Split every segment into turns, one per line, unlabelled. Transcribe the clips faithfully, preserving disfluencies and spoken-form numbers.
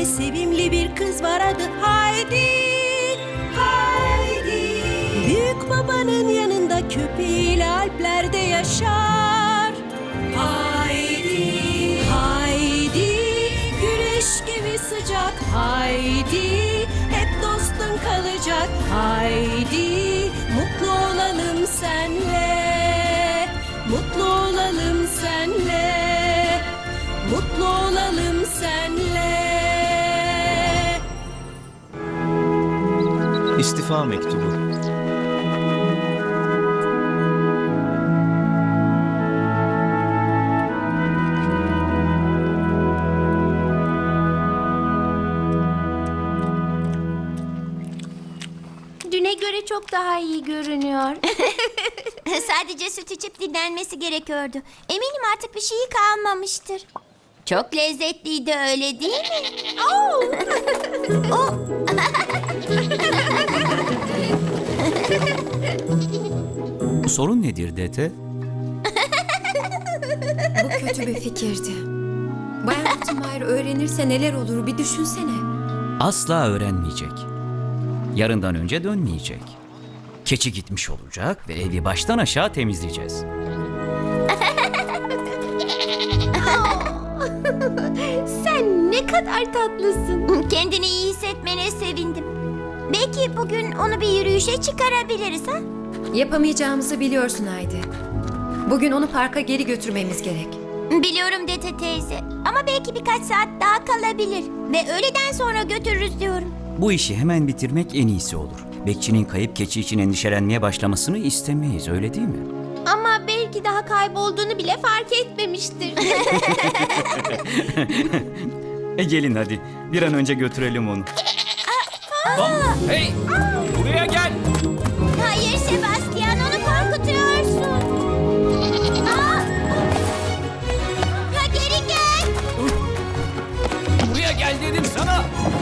sevimli bir kız var, adı Haydi. Haydi. Büyük babanın yanında köpeğiyle Alplerde yaşar. Haydi. Haydi. Güneş gibi sıcak. Haydi. Hep dostun kalacak. Haydi. Mutlu olalım senle. Mutlu olalım senle. Mutlu olalım senle.
İstifa mektubu.
Düne göre çok daha iyi görünüyor.
Sadece süt içip dinlenmesi gerekiyordu. Eminim artık bir şeyi kalmamıştır. Çok lezzetliydi, öyle değil mi? Oo! O-
Sorun nedir Dete?
Bu kötü bir fikirdi. Bayan Rottenmeier öğrenirse neler olur bir düşünsene.
Asla öğrenmeyecek. Yarından önce dönmeyecek. Keçi gitmiş olacak ve evi baştan aşağı temizleyeceğiz.
Sen ne kadar tatlısın.
Kendini iyi hissetmene sevindim. Belki bugün onu bir yürüyüşe çıkarabiliriz ha?
Yapamayacağımızı biliyorsun Haydi. Bugün onu parka geri götürmemiz gerek.
Biliyorum Dete teyze. Ama belki birkaç saat daha kalabilir. Ve öğleden sonra götürürüz diyorum.
Bu işi hemen bitirmek en iyisi olur. Bekçinin kayıp keçi için endişelenmeye başlamasını istemeyiz, öyle değil mi?
Ama belki daha kaybolduğunu bile fark etmemiştir.
E gelin hadi, bir an önce götürelim onu. Hey, buraya gel.
Hayır Sebastian, onu korkutuyorsun. Aa! Ha, geri gel.
Buraya gel dedim sana.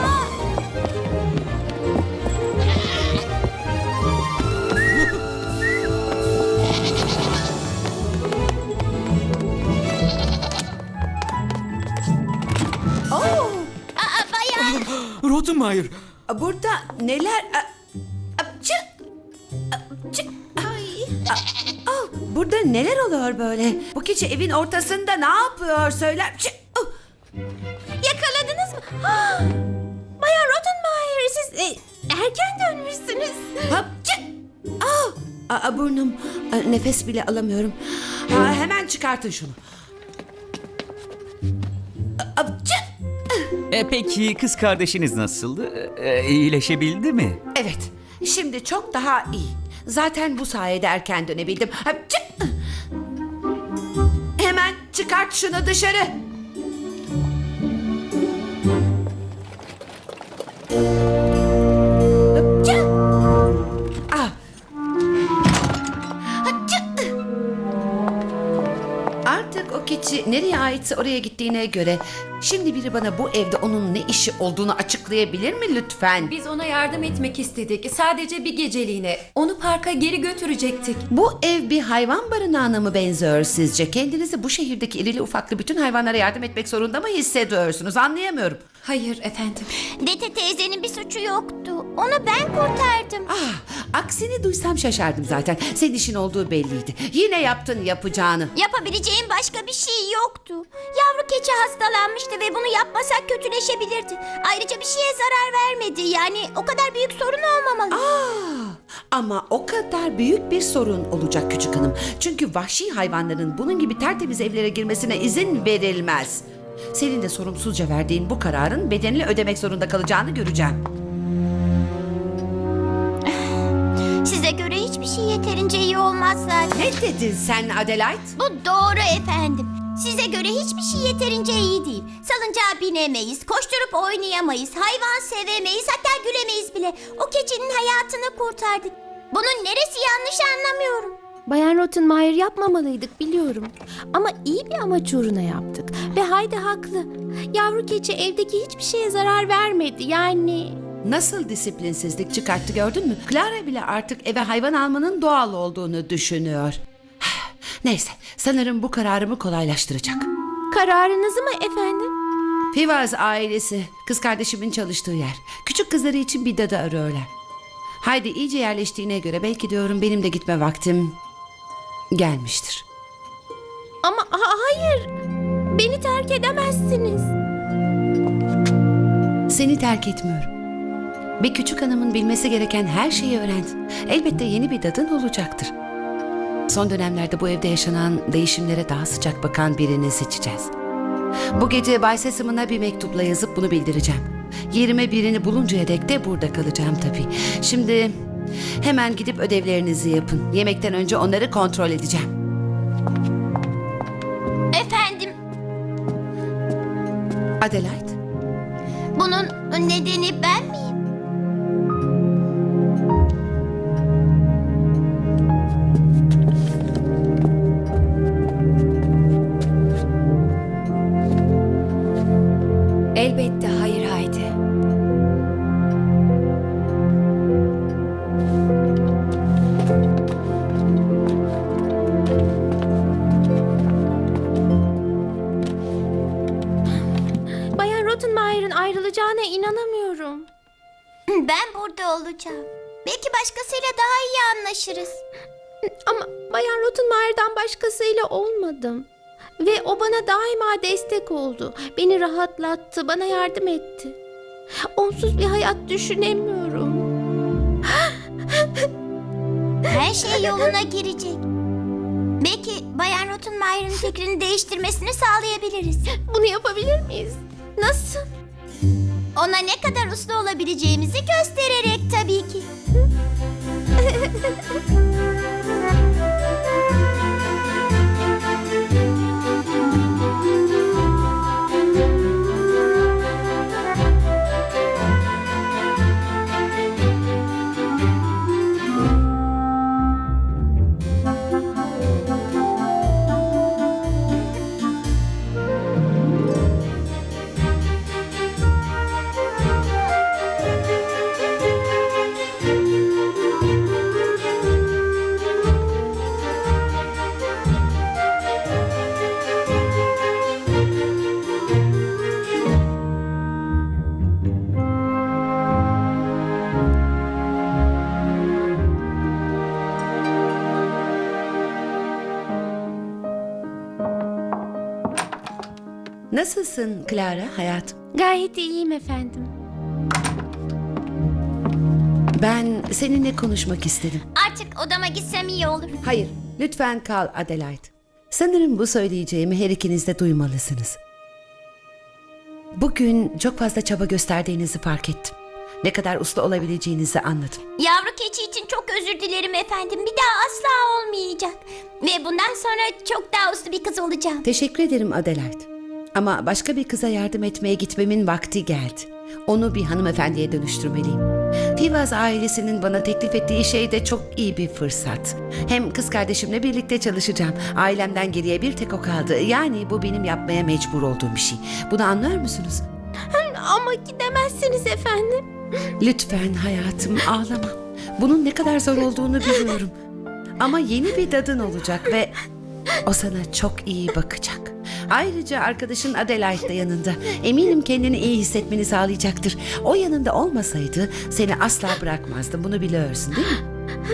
Aa, bayan.
Rottenmeier.
Burada neler... Apçı! Apçı! Ay! A- Aa, burada neler oluyor böyle? Bu keçi evin ortasında ne yapıyor söyler? Apçı! Oh!
Yakaladınız mı? Ah! Bayan Rottenmeier, siz e, erken dönmüşsünüz.
Apçı! Aa! Aa, burnum. Aa, nefes bile alamıyorum. Aa, hemen çıkartın şunu. Aa, Apçı!
E peki kız kardeşiniz nasıldı? E, iyileşebildi mi?
Evet, şimdi çok daha iyi. Zaten bu sayede erken dönebildim. Apçı! Hemen çıkart şunu dışarı. Apçı! Ah! Apçı! Artık o keçi nereye aitse oraya gittiğine göre şimdi biri bana bu evde onun ne işi olduğunu açıklayabilir mi lütfen?
Biz ona yardım etmek istedik. Sadece bir geceliğine. Onu parka geri götürecektik.
Bu ev bir hayvan barınağına mı benziyor sizce? Kendinizi bu şehirdeki irili ufaklı bütün hayvanlara yardım etmek zorunda mı hissediyorsunuz? Anlayamıyorum.
Hayır efendim.
Dete teyzenin bir suçu yoktu. Onu ben kurtardım.
Ah, aksini duysam şaşardım zaten. Senin işin olduğu belliydi. Yine yaptın yapacağını.
Yapabileceğim başka bir şey yoktu. Yavru keçi hastalanmıştı ve bunu yapmasak kötüleşebilirdi. Ayrıca bir şeye zarar vermedi. Yani o kadar büyük sorun olmamalı.
Ah, ama o kadar büyük bir sorun olacak küçük hanım. Çünkü vahşi hayvanların bunun gibi tertemiz evlere girmesine izin verilmez. Senin de sorumsuzca verdiğin bu kararın bedelini ödemek zorunda kalacağını göreceğim.
Size göre hiçbir şey yeterince iyi olmaz zaten.
Ne dedin sen Adelaide?
Bu doğru efendim. Size göre hiçbir şey yeterince iyi değil. Salıncağa binemeyiz, koşturup oynayamayız, hayvan sevemeyiz, hatta gülemeyiz bile. O keçinin hayatını kurtardık. Bunun neresi yanlış anlamıyorum.
Bayan Rottenmeier, yapmamalıydık biliyorum. Ama iyi bir amaç uğruna yaptık. Ve Haydi haklı. Yavru keçi evdeki hiçbir şeye zarar vermedi. Yani...
Nasıl disiplinsizlik çıkarttı gördün mü? Clara bile artık eve hayvan almanın doğal olduğunu düşünüyor. Neyse, sanırım bu kararımı kolaylaştıracak.
Kararınızı mı efendim?
Fivaz ailesi, kız kardeşimin çalıştığı yer. Küçük kızları için bir dadı arıyorlar. Haydi iyice yerleştiğine göre belki diyorum benim de gitme vaktim gelmiştir.
Ama ha- hayır. Beni terk edemezsiniz.
Seni terk etmiyorum. Bir küçük hanımın bilmesi gereken her şeyi öğrendin. Elbette yeni bir dadın olacaktır. Son dönemlerde bu evde yaşanan değişimlere daha sıcak bakan birini seçeceğiz. Bu gece Bay Sesam'ına bir mektupla yazıp bunu bildireceğim. Yerime birini buluncaya dek de burada kalacağım tabii. Şimdi hemen gidip ödevlerinizi yapın. Yemekten önce onları kontrol edeceğim.
Efendim,
Adelaide,
bunun nedeni ben miyim?
Elbette hayır Haydi.
Bayan Rottenmeier'ın ayrılacağına inanamıyorum.
Ben burada olacağım. Belki başkasıyla daha iyi anlaşırız.
Ama Bayan Rottenmeier'dan başkasıyla olmadım. Ve o bana daima destek oldu. Beni rahatlattı, bana yardım etti. Onsuz bir hayat düşünemiyorum.
Her şey yoluna girecek. Belki Bayan Rottenmeier'ın fikrini değiştirmesini sağlayabiliriz.
Bunu yapabilir miyiz? Nasıl?
Ona ne kadar uslu olabileceğimizi göstererek tabii ki.
nasılsın Clara hayatım?
Gayet iyiyim efendim.
Ben seninle konuşmak istedim.
Artık odama gitsem iyi olur.
Hayır, lütfen kal Adelaide. Sanırım bu söyleyeceğimi her ikiniz de duymalısınız. Bugün çok fazla çaba gösterdiğinizi fark ettim. Ne kadar uslu olabileceğinizi anladım.
Yavru keçi için çok özür dilerim efendim. Bir daha asla olmayacak. Ve bundan sonra çok daha uslu bir kız olacağım.
Teşekkür ederim Adelaide. Ama başka bir kıza yardım etmeye gitmemin vakti geldi. Onu bir hanımefendiye dönüştürmeliyim. Fivaz ailesinin bana teklif ettiği şey de çok iyi bir fırsat. Hem kız kardeşimle birlikte çalışacağım. Ailemden geriye bir tek o kaldı. Yani bu benim yapmaya mecbur olduğum bir şey. Bunu anlıyor musunuz?
Ama gidemezsiniz efendim.
Lütfen hayatım ağlama. Bunun ne kadar zor olduğunu biliyorum. Ama yeni bir dadın olacak ve o sana çok iyi bakacak. Ayrıca arkadaşın Adelaide de yanında. Eminim kendini iyi hissetmeni sağlayacaktır. O yanında olmasaydı seni asla bırakmazdım. Bunu biliyorsun değil mi?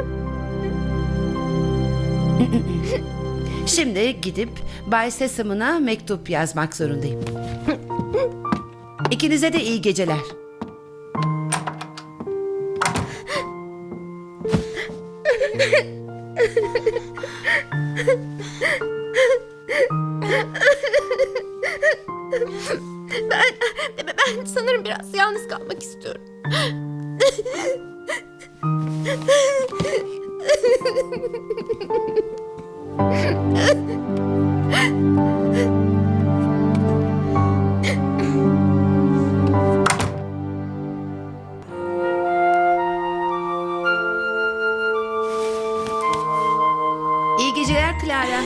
Şimdi gidip Bay Sesam'ına mektup yazmak zorundayım. İkinize de iyi geceler.
Ben, ben sanırım biraz yalnız kalmak istiyorum.
İyi geceler Clara.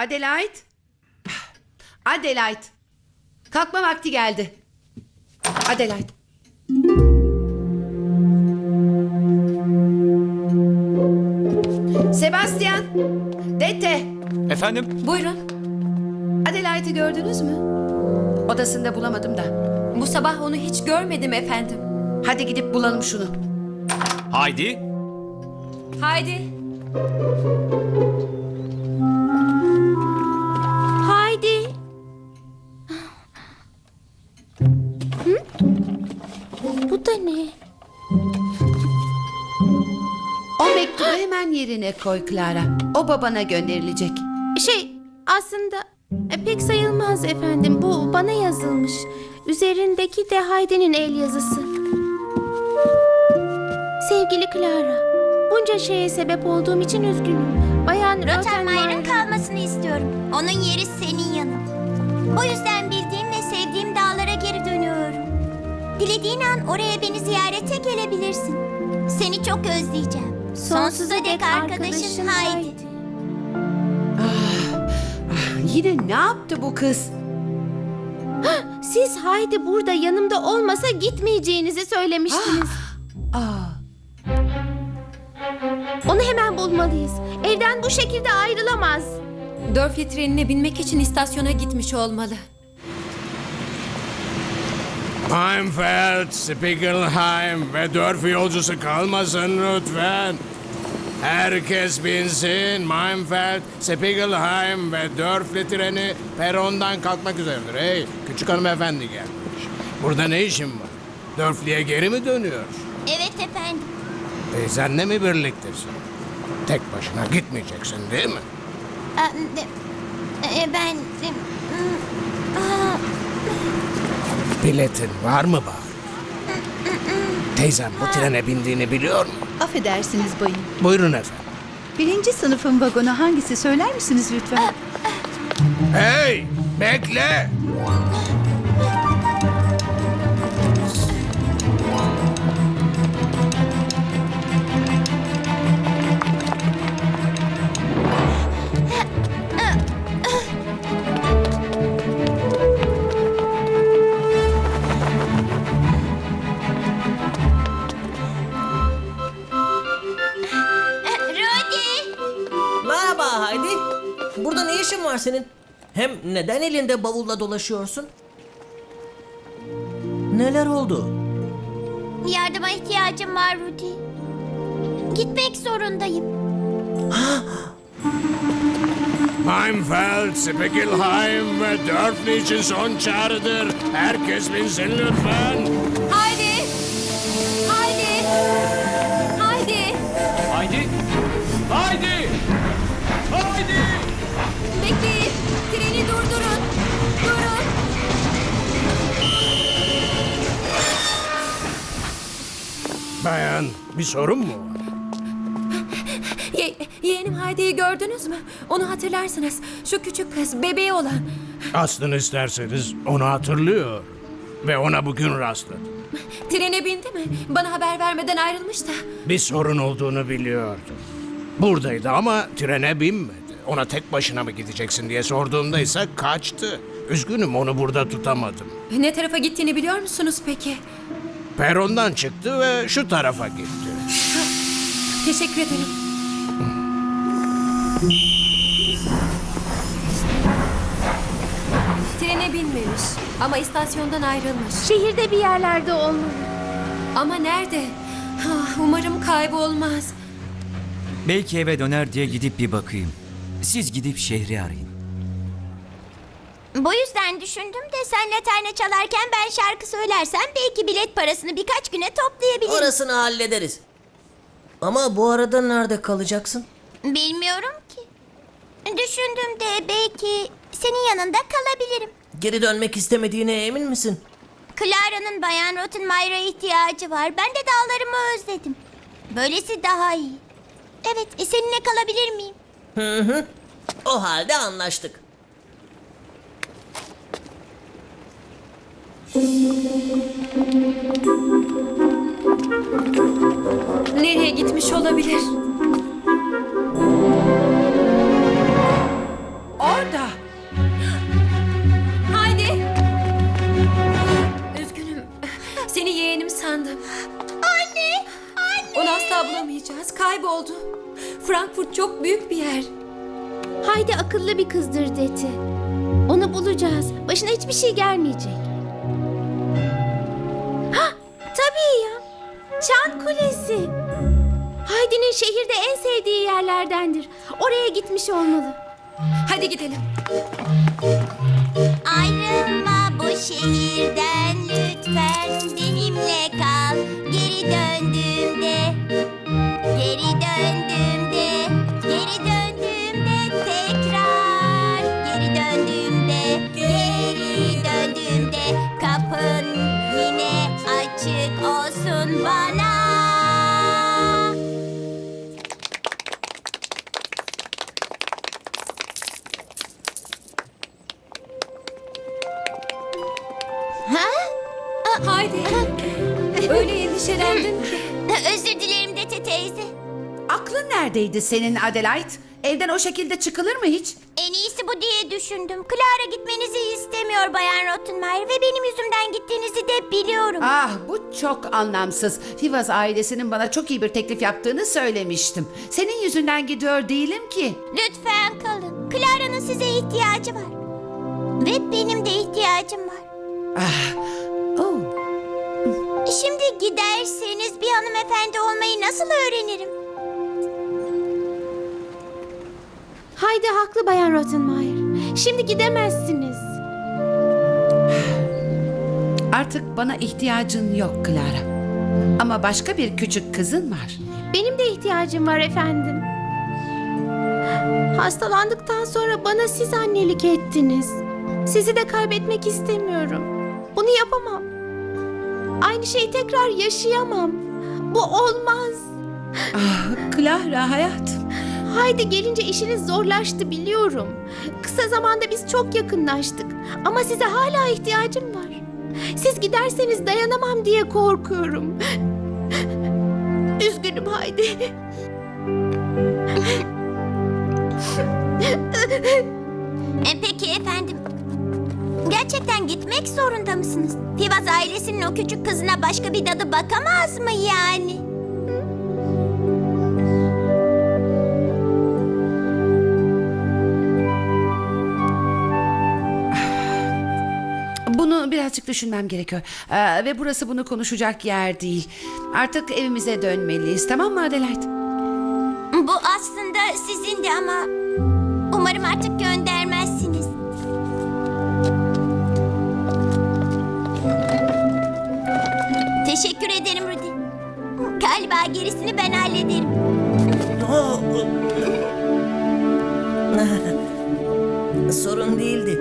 Adelaide. Adelaide. Kalkma vakti geldi. Adelaide. Sebastian. Dete.
Efendim?
Buyurun.
Adelaide'i gördünüz mü? Odasında bulamadım da.
Bu sabah onu hiç görmedim efendim.
Hadi gidip bulalım şunu.
Haydi.
Haydi.
Haydi. Hı? Bu da ne?
O mektubu hemen yerine koy Clara. O babana gönderilecek.
Şey, aslında e, pek sayılmaz efendim. Bu bana yazılmış. Üzerindeki de Haydi'nin el yazısı. Sevgili Clara, bunca şeye sebep olduğum için üzgünüm. Bayan
Rottenmeier'ın
Rottenmeier...
kalmasını istiyorum. Onun yeri senin yanın. O yüzden bildiğim ve sevdiğim dağlara geri dönüyorum. Dilediğin an oraya beni ziyarete gelebilirsin. Seni çok özleyeceğim. Sonsuza dek arkadaşın Haydi.
Ah, yine ne yaptı bu kız?
Siz Haydi burada yanımda olmasa gitmeyeceğinizi söylemiştiniz.
Aa,
Onu hemen bulmalıyız. Evden bu şekilde ayrılamaz.
Dörfli trenine binmek için istasyona gitmiş olmalı.
Heimfeld, Spiegelheim ve Dörf yolcusu kalmasın lütfen. Herkes binsin. Heimfeld, Spiegelheim ve Dörfli treni perondan kalkmak üzeredir. Hey, küçük hanımefendi gelmiş. Burada ne işin var? Dörfli'ye geri mi dönüyor?
Evet efendim.
Teyzenle mi birliktesin? Tek başına gitmeyeceksin değil mi?
Aa, de- e, Ben... e, aa,
Biletin var mı bari? Teyzem bu trene bindiğini biliyor mu?
Affedersiniz bayım.
Buyurun efendim.
Birinci sınıfın vagonu hangisi söyler misiniz lütfen?
Hey, bekle!
Rodi!
Merhaba Haydi. Burada ne işin var senin? Hem neden elinde bavulla dolaşıyorsun? Neler oldu?
Yardıma ihtiyacım var Rudy. Gitmek zorundayım.
Heimfeld, Spiegelheim ve Dörfli için son çağrıdır. Herkes binsin lütfen.
Haydi. Haydi. Haydi.
Haydi. Haydi. Haydi.
Bekleyin. Treni durdurun. Durun.
Bayan, bir sorun mu var?
Ye yeğenim Haydi'yi gördünüz mü? Onu hatırlarsınız. Şu küçük kız, bebeği olan.
Aslını isterseniz onu hatırlıyor. Ve ona bugün rastladım.
Trene bindi mi? Bana haber vermeden ayrılmış da.
Bir sorun olduğunu biliyordum. Buradaydı ama trene binmedi. Ona tek başına mı gideceksin diye sorduğumda ise kaçtı. Üzgünüm, onu burada tutamadım.
Ne tarafa gittiğini biliyor musunuz peki?
Perondan çıktı ve şu tarafa gitti.
Teşekkür ederim. Trene binmemiş ama istasyondan ayrılmış.
Şehirde bir yerlerde olmalı.
Ama nerede? Ah, umarım kaybolmaz.
Belki eve döner diye gidip bir bakayım. Siz gidip şehri arayın.
Bu yüzden düşündüm de sen laterne çalarken ben şarkı söylersem belki bilet parasını birkaç güne toplayabilirim.
Orasını hallederiz. Ama bu arada nerede kalacaksın?
Bilmiyorum ki. Düşündüm de belki senin yanında kalabilirim.
Geri dönmek istemediğine emin misin?
Clara'nın Bayan Rottenmeier'a ihtiyacı var. Ben de dağlarımı özledim. Böylesi daha iyi. Evet, e, seninle kalabilir miyim?
Hı hı. O halde anlaştık.
Nereye gitmiş olabilir?
orada
yapacağız? Kayboldu. Frankfurt çok büyük bir yer.
Haydi akıllı bir kızdır Deti. Onu bulacağız. Başına hiçbir şey gelmeyecek. Hah, tabii ya. Çan Kulesi. Haydi'nin şehirde en sevdiği yerlerdendir. Oraya gitmiş olmalı.
Hadi gidelim.
Ayrılma bu şehirden lütfen, benimle kal. Geri döndüğümde, geri döndüğümde, geri döndüğümde tekrar, geri döndüğümde, geri döndüğümde kapın yine açık olsun bana.
Haydi. Öyle endişelendin ki.
Özür dilerim Dete teyze.
Aklın neredeydi senin Adelaide? Evden o şekilde çıkılır mı hiç?
En iyisi bu diye düşündüm. Clara gitmenizi istemiyor Bayan Rottenmeier ve benim yüzümden gittiğinizi de biliyorum.
Ah, bu çok anlamsız. Fivaz ailesinin bana çok iyi bir teklif yaptığını söylemiştim. Senin yüzünden gidiyor değilim ki.
Lütfen kalın. Clara'nın size ihtiyacı var. Ve benim de ihtiyacım var.
Oh.
Şimdi giderseniz bir hanımefendi olmayı nasıl öğrenirim?
Haydi haklı Bayan Rottenmeier. Şimdi gidemezsiniz.
Artık bana ihtiyacın yok Clara. Ama başka bir küçük kızın var.
Benim de ihtiyacım var efendim. Hastalandıktan sonra bana siz annelik ettiniz. Sizi de kaybetmek istemiyorum. Bunu yapamam. Aynı şeyi tekrar yaşayamam. Bu olmaz.
Ah, Clara hayatım.
Haydi gelince işiniz zorlaştı biliyorum. Kısa zamanda biz çok yakınlaştık. Ama size hala ihtiyacım var. Siz giderseniz dayanamam diye korkuyorum. Üzgünüm Haydi.
E, peki efendim. Gerçekten gitmek zorunda mısınız? Fivaz ailesinin o küçük kızına başka bir dadı bakamaz mı yani?
Bunu birazcık düşünmem gerekiyor. Ee, ve burası bunu konuşacak yer değil. Artık evimize dönmeliyiz, tamam mı Adelaide?
Bu aslında sizin de ama umarım artık göndermezsiniz. Teşekkür ederim Rudy. Galiba gerisini ben hallederim.
Sorun değildi.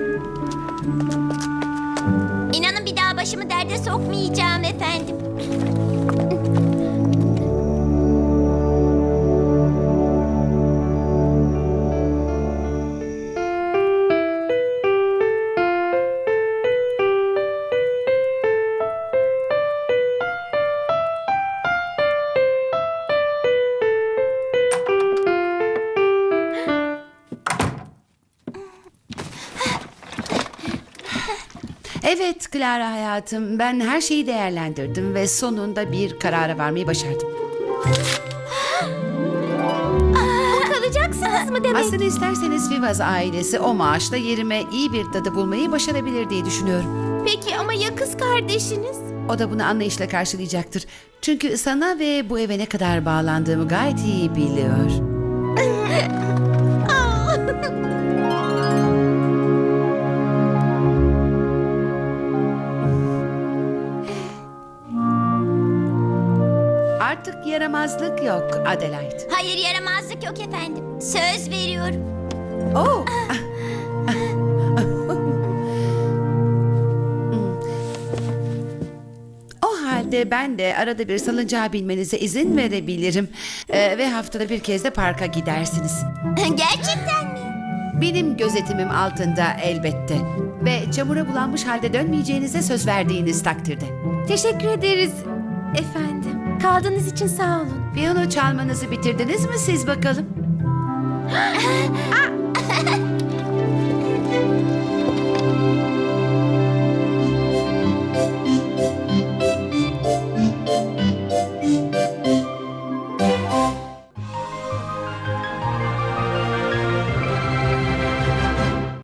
İnanın bir daha başımı derde sokmayacağım efendim.
Evet Clara hayatım, ben her şeyi değerlendirdim ve sonunda bir karara varmayı başardım.
Kalacaksınız mı demek?
Aslında isterseniz Fivaz ailesi o maaşla yerime iyi bir dadı bulmayı başarabilir diye düşünüyorum.
Peki ama ya kız kardeşiniz?
O da bunu anlayışla karşılayacaktır. Çünkü sana ve bu eve ne kadar bağlandığımı gayet iyi biliyor. Artık yaramazlık yok Adelaide.
Hayır, yaramazlık yok efendim. Söz veriyorum.
Oh. O halde ben de arada bir salıncağa binmenize izin verebilirim. Ee, ve haftada bir kez de parka gidersiniz.
Gerçekten mi?
Benim gözetimim altında elbette. Ve çamura bulanmış halde dönmeyeceğinize söz verdiğiniz takdirde.
Teşekkür ederiz efendim. Kaldığınız için sağ olun.
Piyano çalmanızı bitirdiniz mi siz bakalım?